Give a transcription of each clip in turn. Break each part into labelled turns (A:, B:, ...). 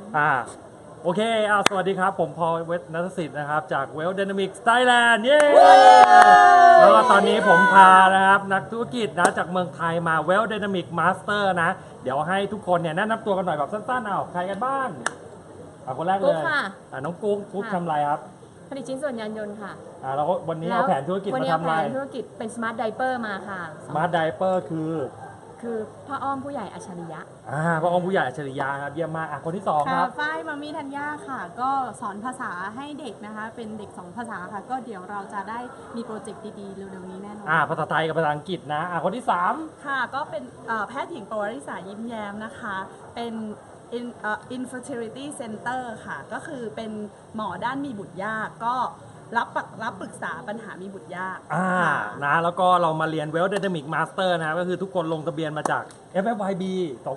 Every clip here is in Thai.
A: โอเคสวัสดีครับผมพอลเวทนัทสิทธิ์นะครับจาก Well Dynamics Thailand เย้แล้วก็ตอนนี้ผมพานะครับนักธุรกิจนะจากเมืองไทยมา Well Dynamics Master นะเดี๋ยวให้ทุกคนเนี่ยแนะนำตัวกันหน่อยแบบสั้นๆใครกันบ้างคนแรกเลยน้องกุ๊กทำอะไรครับ
B: ผลิตชิ้นส่วนยานยนต์ค่ะ
A: แล้ววันนี้เอาแผนธุรกิจมาทำอะไร
B: วันนี้เอาแผนธุรกิจเป็น Smart Diaper มาค่ะ
A: Smart Diaper คือ
B: พ่ออ้อมผู้ใหญ่อัจฉริยะ
A: พ่ออ้อมผู้ใหญ่อัจฉริยะครับเยี่ยมมากคนที่2ครับ
C: ฝ้ายมามีธัญญาค่ะก็สอนภาษาให้เด็กนะคะเป็นเด็ก2ภาษาค่ะก็เดี๋ยวเราจะได้มีโปรเจกต์ดีๆเร็วๆนี้แน่นอน
A: ภาษาไทยกับภาษาอังกฤษนะคนที่3
C: ค่ะก็เป็นแพทย์หญิงปวริษายิ้มแย้มนะคะเป็นinfertility center ค่ะก็คือเป็นหมอด้านมีบุตรยากก็รับปรึกษาปัญหามีบุตรยาก
A: นะแล้วก็เรามาเรียน Well Dynamic Master นะก็คือทุกคนลงทะเบียนมาจาก FFYB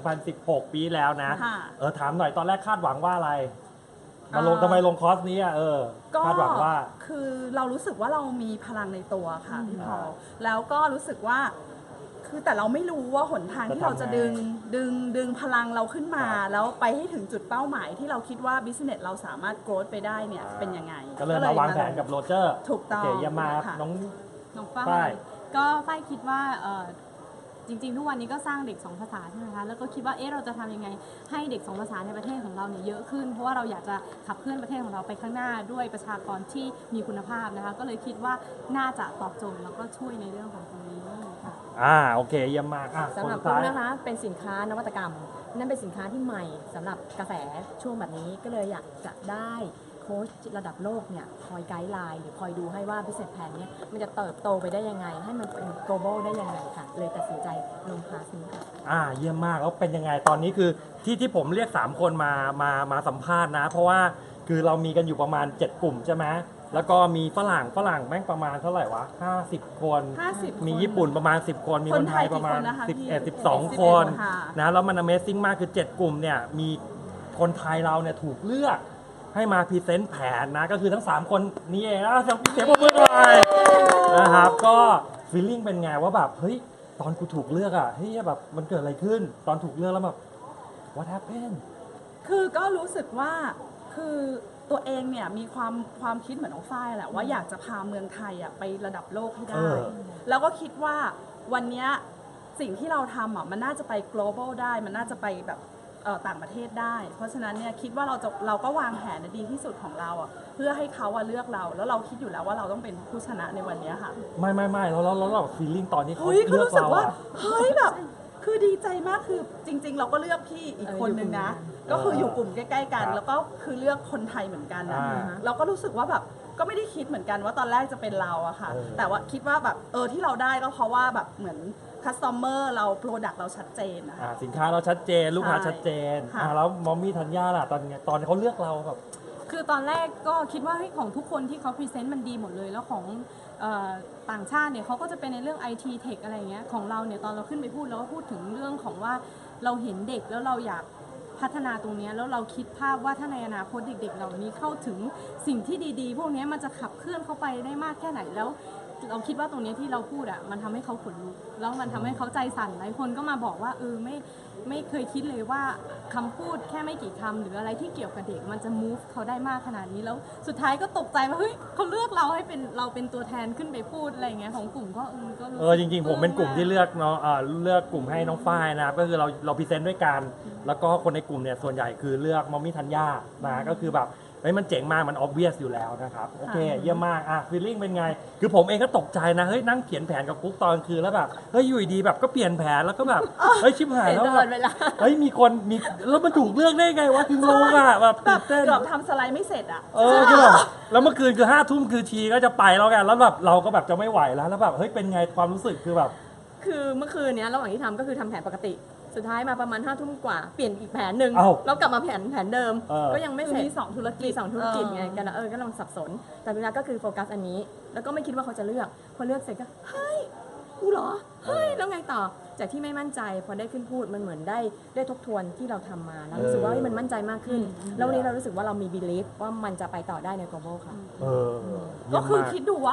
A: 2016 ปีแล้วนะถามหน่อยตอนแรกคาดหวังว่าอะไรทำไมลงคอร์สนี้คาดหวังว่า
C: คือเรารู้สึกว่าเรามีพลังในตัวค่ะพี่พอแล้วก็รู้สึกว่าคือแต่เราไม่รู้ว่าหนทางที่เราจะดึงพลังเราขึ้นมาแล้วไปให้ถึงจุดเป้าหมายที่เราคิดว่าบิสเนสเราสามารถโกรธไปได้เนี่ยเป็นยังไง
A: ก็เลยมาวางแผนกับโรเจอร์
C: ถูกต้อง
A: เยี่ยมมากน้อง
C: ฝ้ายก็ฝ้ายคิดว่าจริงๆทุกวันนี้ก็สร้างเด็ก2ภาษาใช่ไหมคะแล้วก็คิดว่าเราจะทำยังไงให้เด็ก2ภาษาในประเทศของเราเนี่ยเยอะขึ้นเพราะว่าเราอยากจะขับเคลื่อนประเทศของเราไปข้างหน้าด้วยประชากรที่มีคุณภาพนะคะก็เลยคิดว่าน่าจะตอบโจทย์แล้วก็ช่วยในเรื่องของตรงนี้ค่ะ
A: โอเคเยี่ยมมาก
B: สำหรับคุณนะคะเป็นสินค้านวัตกรรมนั่นเป็นสินค้าที่ใหม่สำหรับกาแฟช่วงแบบนี้ก็เลยอยากจะได้โค้ชระดับโลกเนี่ยคอยไกด์ไลน์หรือคอยดูให้ว่า business plan เนี่ยมันจะเติบโตไปได้ยังไงให้มันเป็น global ได้ยังไงค่ะเลยตัดสินใจลงคลาสนี้ค่ะ
A: เยี่ยมมากแล้วเป็นยังไงตอนนี้คือที่ผมเรียก3คนมาสัมภาษณ์นะเพราะว่าคือเรามีกันอยู่ประมาณ7กลุ่มใช่ไหมแล้วก็มีฝรั่งแม่งประมาณเท่าไหร่วะ50 คนมีญี่ปุ่นประมาณ10 คนมีคนไทยประมาณ11-12 คนนะแล้วมัน Amazing มากคือ7กลุ่มเนี่ยมีคนไทยเราเนี่ยถูกเลือกให้มาพรีเซนต์แผนนะก็คือทั้ง3คนนี้เองนะเสียงปรบมือหน่อยนะครับก็ฟีลลิ่งเป็นไงว่าแบบเฮ้ยตอนกูถูกเลือกเฮ้ยแบบมันเกิดอะไรขึ้นตอนถูกเลือกแล้วแบบ what happened
C: คือก็รู้สึกว่าคือตัวเองเนี่ยมีความคิดเหมือนน้องฝ้ายแหละว่าอยากจะพาเมืองไทยไประดับโลกให้ได้แล้วก็คิดว่าวันนี้สิ่งที่เราทำมันน่าจะไป global ได้มันน่าจะไปแบบต่างประเทศได้เพราะฉะนั้นเนี่ยคิดว่าเราก็วางแผนในดีที่สุดของเราเพื่อให้เขาเลือกเราแล้วเราคิดอยู่แล้วว่าเราต้องเป็นผู้ชนะในวันนี้ค่ะ
A: ไม่แล้วเราฟีลลิ่งตอนที่เขาเลือกเรา
C: เฮ้ยแบบคือดีใจมากคือจริงๆเราก็เลือกพี่อีกคนนึงนะก็คืออยู่กลุ่มใกล้ๆกันแล้วก็คือเลือกคนไทยเหมือนกันนะเราก็รู้สึกว่าแบบก็ไม่ได้คิดเหมือนกันว่าตอนแรกจะเป็นเราอะค่ะแต่ว่าคิดว่าแบบที่เราได้ก็เพราะว่าแบบเหมือนคัสตอมเมอร์เราโปรดักต์เราชัดเจนนะคะ
A: สินค้าเราชัดเจนลูกค้าชัดเจนแล้วมอมมี่ธัญญาล่ะตอนเขาเลือกเราแบบ
C: คือตอนแรกก็คิดว่าของทุกคนที่เขาพรีเซนต์มันดีหมดเลยแล้วของต่างชาติเนี่ยเขาก็จะเป็นในเรื่อง IT Tech อะไรเงี้ยของเราเนี่ยตอนเราขึ้นไปพูดเราก็พูดถึงเรื่องของว่าเราเห็นเด็กแล้วเราอยากพัฒนาตรงนี้แล้วเราคิดภาพว่าถ้าในอนาคตเด็กๆเหล่านี้เข้าถึงสิ่งที่ดีๆพวกนี้มันจะขับเคลื่อนเข้าไปได้มากแค่ไหนแล้วเราคิดว่าตรงนี้ที่เราพูดมันทำให้เขาขนลุกแล้วมันทำให้เขาใจสั่นหลายคนก็มาบอกว่าไม่เคยคิดเลยว่าคำพูดแค่ไม่กี่คำหรืออะไรที่เกี่ยวกับเด็กมันจะ move เขาได้มากขนาดนี้แล้วสุดท้ายก็ตกใจว่าเฮ้ยเขาเลือกเราให้เป็นตัวแทนขึ้นไปพูดอะไรอย่างเงี้ยของกลุ่มก็
A: จริงๆผมเป็นกลุ่มที่เลือกเนาะเลือกกลุ่มให้น้องฝ้ายนะครับก็คือเราพรีเซนต์ด้วยกันแล้วก็คนในกลุ่มเนี่ยส่วนใหญ่คือเลือกมอมมี่ธัญญานะก็คือแบบมันเจ๋งมากมัน obvious อยู่แล้วนะครับโอเคเยี่ยมมากฟีลลิ่งเป็นไงคือผมเองก็ตกใจนะเฮ้ยนั่งเขียนแผนกับกุ๊กตอนคืนแล้วแบบเฮ้ยอยู่ดีแบบก็เปลี่ยนแผนแล้วก็แบบเฮ้ยชิบหายแล้วแบบเฮ้ยมีแล้วมันถูกเลือกได้ไงวะคืองงแบบตื่นเต้น
C: เกือบทำสไลด์ไม่เสร็จ
A: คือแบบแล้วเมื่อคืนคือ5 ทุ่มคือชีก็จะไปแล้วกันแล้วแบบเราก็แบบจะไม่ไหวแล้วแบบเฮ้ยเป็นไงความรู้สึกคือแบบ
B: คือเมื่อคืนนี้ระหว่างที่ทำก็คือทำแผนปกติสุดท้ายมาประมาณ5 ทุ่มกว่าเปลี่ยนอีกแผนหนึ่งแล้วกลับมาแผนเดิมก็ยังไม่เสร็จ
C: มี2 ธุร
B: กิจไงกันก็ลองสับสนแต่เวลาก็คือโฟกัสอันนี้แล้วก็ไม่คิดว่าเขาจะเลือกพอเลือกเสร็จก็เฮ้ยกูเหรอเฮ้ยแล้วไงต่อจากที่ไม่มั่นใจพอได้ขึ้นพูดมันเหมือนได้ทบทวนที่เราทำมาแล้วรู้สึกว่ามันมั่นใจมากขึ้นแล้ววันนี้เรารู้สึกว่าเรามี belief ว่ามันจะไปต่อได้ใน global ค่ะ
C: ก็คือคิดดูว่า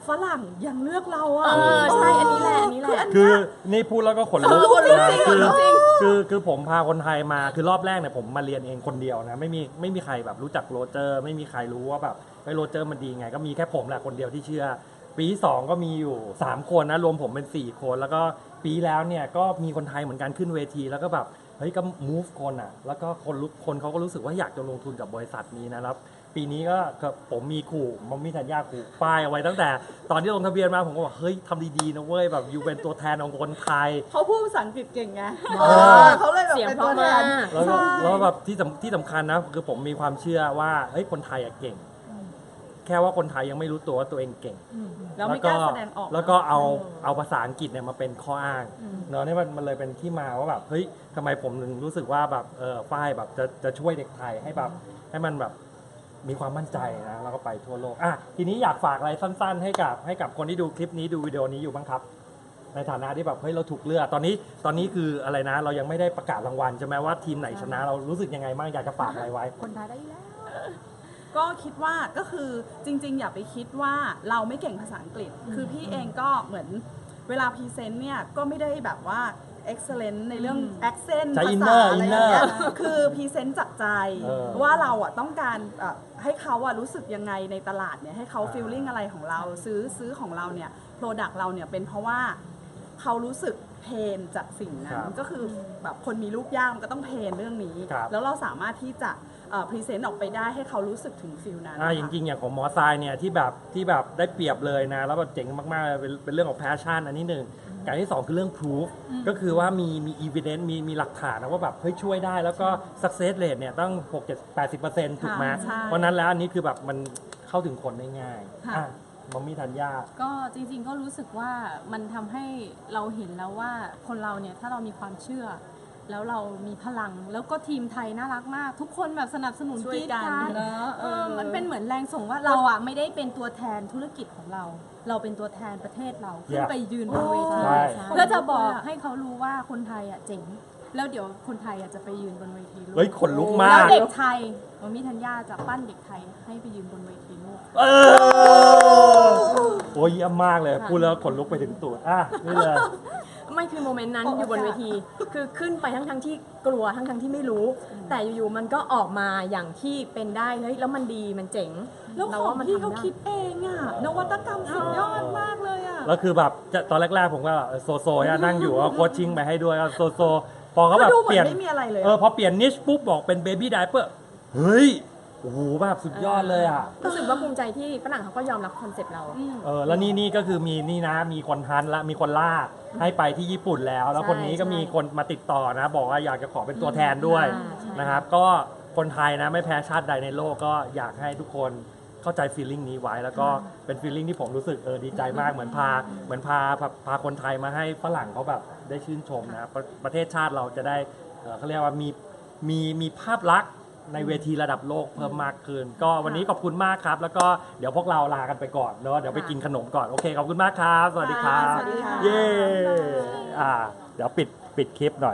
C: ฝรั่งยังเลือกเรา
B: เอ
C: อ่ะ
B: อใช่อันนี้แหละอันนี้แหละ
A: คือนี่พูดแล้วก็ขนลุก
C: ขนลุก
A: นะ
C: จริง
A: คือ
C: ขนลุกจริง
A: คือผมพาคนไทยมาคือรอบแรกเนี่ยผมมาเรียนเองคนเดียวนะไม่มีใครแบบรู้จักโรเจอร์ไม่มีใครรู้ว่าแบบโรเจอร์มันดีไงก็มีแค่ผมแหละคนเดียวที่เชื่อ ปีที่2ก็มีอยู่3คนนะรวมผมเป็น4คนแล้วก็ปีแล้วเนี่ยก็มีคนไทยเหมือนกันขึ้นเวทีแล้วก็แบบเฮ้ยก็ move คนอ่ะแล้วก็คนเขาก็รู้สึกว่าอยากจะลงทุนกับบริษัทนี้นะครับปีนี้ก็ผมมีขู่มัมมี่ธัญญาขู่ป้ายเอาไว้ตั้งแต่ตอนที่ลงทะเบียนมาผมก็บอกเฮ้ยทำดีๆนะเว้ยแบบอยู่เป็นตัวแทนของคนไทย
C: เขาพูดภาษาอังกฤษเก่งไง
B: เขาเลยแบบเป็นตัวแทน
A: แล้วก็
C: ใช่
A: แล้วแบบที่สำคัญนะคือผมมีความเชื่อว่าเฮ้ยคนไทยอะเก่ง แค่ว่าคนไทยยังไม่รู้ตัวว่าตัวเองเก่ง
C: แล้วไม่กล้าแสดงออก
A: แล้วก็เอาภาษาอังกฤษเนี่ยมาเป็นข้ออ้างเนาะนี่มันเลยเป็นที่มาว่าแบบเฮ้ยทำไมผมถึงรู้สึกว่าแบบฝ้ายแบบจะช่วยเด็กไทยให้แบบให้มันแบบมีความมั่นใจนะแล้วก็ไปทั่วโลกอ่ะทีนี้อยากฝากอะไรสั้นๆ ให้กับคนที่ดูคลิปนี้ดูวิดีโอนี้อยู่บ้างครับ ในฐานะที่แบบเฮ้ยเราถูกเลือกตอนนี้คืออะไรนะ เรายังไม่ได้ประกาศรางวัลใช่ไหมว่าทีมไหนชนะเรารู้สึกยังไงบ้างอยากจะฝากอะไรไว้
B: คนไทยได้อยู่แล้ว
C: ก็คิดว่าก็คือจริงๆ อย่าไปคิดว่าเราไม่เก่งภาษาอังกฤษ คือพี่เองก็เหมือนเวลาพรีเซนต์เนี่ยก็ไม่ได้แบบว่า excellent ในเรื่อง accent
A: ใช้
C: ภา
A: inner
C: ษาอะไรอย่างเงี้ย
A: inner
C: คือพรีเซนต์จากใจ
A: เออ
C: ว่าเราอ่ะต้องการให้เขาอ่ะรู้สึกยังไงในตลาดเนี่ยให้เขา
A: อ่า
C: feeling อะไรของเราซื้อของเราเนี่ย product เราเนี่ยเป็นเพราะว่าเขารู้สึกเพนจากสิ่งนั้นก็คือแบบคนมีลูกยากมันก็ต้องเพนเรื่องนี้
A: ครับ
C: แล้วเราสามารถที่จะพรีเซนต์ออกไปได้ให้เขารู้สึกถึงฟิลนั้น
A: จริงๆอย่างของหมอทรายเนี่ยที่แบบได้เปรียบเลยนะแล้วแบบเจ๋งมากๆเลยเป็นเรื่องของ passion อันนี้หนึ่งการที่ 2 คือเรื่อง proof ก็คือว่ามี evidence มีหลักฐานนะว่าแบบเฮ้ยช่วยได้แล้วก็ success rate เนี่ยต้อง 6-80% ถูกไหม
C: ใช่
A: เพราะนั้นแล้วอันนี้คือแบบมันเข้าถึงคนได้ง่าย
C: ค่ะ
A: อ่ะมัมมี่ธัญญา
C: ก็จริงๆก็รู้สึกว่ามันทำให้เราเห็นแล้วว่าคนเราเนี่ยถ้าเรามีความเชื่อ แล้วเรามีพลังแล้วก็ทีมไทยน่ารักมาก ทุกคนแบบสนับสนุน
B: ช่วย
C: กรี๊ด
B: กัน
C: กราด
B: เนอะ
C: มันเป็นเหมือนแรงส่งว่าเราอ่ะไม่ได้เป็นตัวแทนธุรกิจของเรา เราเป็นตัวแทนประเทศเราขึ้น
A: Yeah
C: ไปยืนบนเวที
A: ใช่
C: เพื่อจะบอกให้เขารู้ว่าคนไทยอ่ะเจ๋งแล้วเดี๋ยวคนไทยอ่ะจะไปยืนบนเวทีโลก
A: เฮ้ยขนลุก
C: แล้
A: มาว ก
C: เด็กไทยมัมมี่ธัญญาจะปั้นเด็กไทยให้ไปยืนบนเวทีโลก
A: เออโอ้ยเยี่ยมมากเลย พูดแล้วขนลุกไปถึงตูดอ่ะนี่เลย
B: ไม่คือโมเมนต์นั้นอยู่บนเวที คือขึ้นไปทั้งที่กลัวทั้งที่ไม่รู้ แต่อยู่ๆมันก็ออกมาอย่างที่เป็นได้เฮ้ยแล้วมันดีมันเจ๋ง
C: แล้ว
B: เรา
C: ของ
B: ว่ามัน
C: ที่
B: ทำ
C: เขา
B: ได้
C: คิดเองอ่ะนวัตกรรมสุดยอดมากเลยอ่ะ
A: แล้วคือแบบตอนแรกๆผมก็แบบโซอะนั่งอยู่ก็โคชชิ่งไปให้ด้วยก็โซพอเขาแบบ
C: ก็ดูเหมือน
A: เปลี่ยน
C: ไม่มีอะไรเลย
A: พอเปลี่ยนนิชปุ๊บบอกเป็นเบบี้ไดเปอร์เฮ้ยโอ้โหแบบสุดยอดเลยอ่ะ
B: รู้สึกว่าภูมิใจที่ฝรั่งเขาก็ยอมรับคอนเซ็ปต์เรา
A: แล้วนี่ก็คือมีนี่นะมีคนทันละมีคนลากให้ไปที่ญี่ปุ่นแล้ว แล้ว
B: ใช่
A: คนนี้ก็
B: ใช่
A: มีคนมาติดต่อนะ บอกว่าอยากจะขอเป็นตัวแทนด้วย
B: ใช่
A: นะครับ ก็คนไทยนะไม่แพ้ชาติใดในโลกก็อยากให้ทุกคนเข้าใจฟีลลิ่งนี้ไว้ แล้วก็เป็นฟีลลิ่งที่ผมรู้สึกดีใจมากเหมือนพาคนไทยมาให้ฝรั่งเขาแบบได้ชื่นชมนะประเทศชาติเราจะได้เขาเรียกว่ามีภาพลักษณ์ในเวทีระดับโลกเพิ่มมากขึ้น ก็วันนี้ขอบคุณมากครับ แล้วก็เดี๋ยวพวกเราลากันไปก่อนเนาะเดี๋ยวไปกินขนมก่อนโอเคขอบคุณมากครับ สวัสดีครับ
C: สวัสดีค่ะ
A: เย้เดี๋ยวปิดคลิปหน่อย